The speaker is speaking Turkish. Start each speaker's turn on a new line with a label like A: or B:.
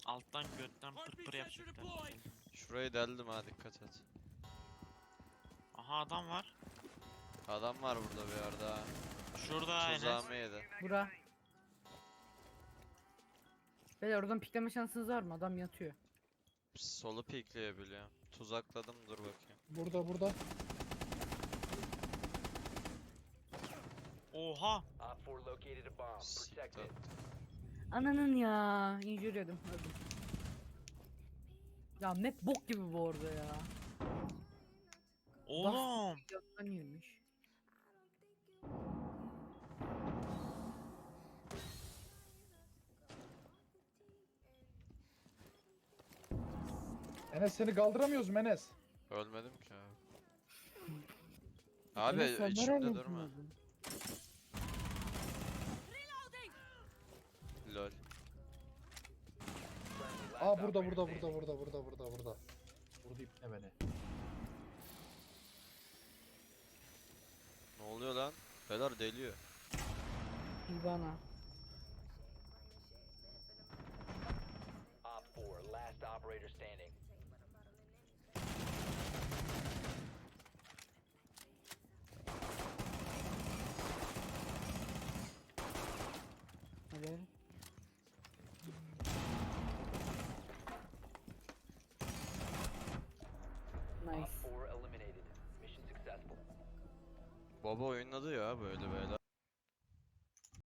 A: Alttan götten pır pır yapacaklar.
B: Şurayı deldim ha, dikkat et.
A: Aha adam var.
B: Adam var burada bir yerde ha.
A: Şurada Enes.
B: Tuzağımı yedi.
C: Bura. Beyler oradan pikleme şansınız var mı? Adam yatıyor.
B: Solu pikleyebiliyor. Tuzakladım, dur bakayım.
D: Burada burada.
A: Oha.
E: Op 4 located a bomb. Protect
B: Siktir.
E: it.
C: Ananın ya. İnjür yedim. Öldüm. Ya map bok gibi bu arada ya.
A: Oğlum.
C: Yattan girmiş.
D: Enes seni kaldıramıyoruz mu Enes?
B: Ölmedim ki abi. Abi
C: Enes, sen
B: içimde
C: nereden
B: durma.
C: buldun?
B: Lol.
E: Friendly, last
D: Aa burada
E: operator
D: burada
E: standing.
D: burada. Vurdu ipne beni.
B: Ne oluyor lan? Beyler deliyor.
C: Hibana.
E: Op 4 last operator standing.
C: Hadi.
E: Op
C: Nice.
E: 4 eliminated. Mission successful.
B: Baba oynadı ya böyle beyler.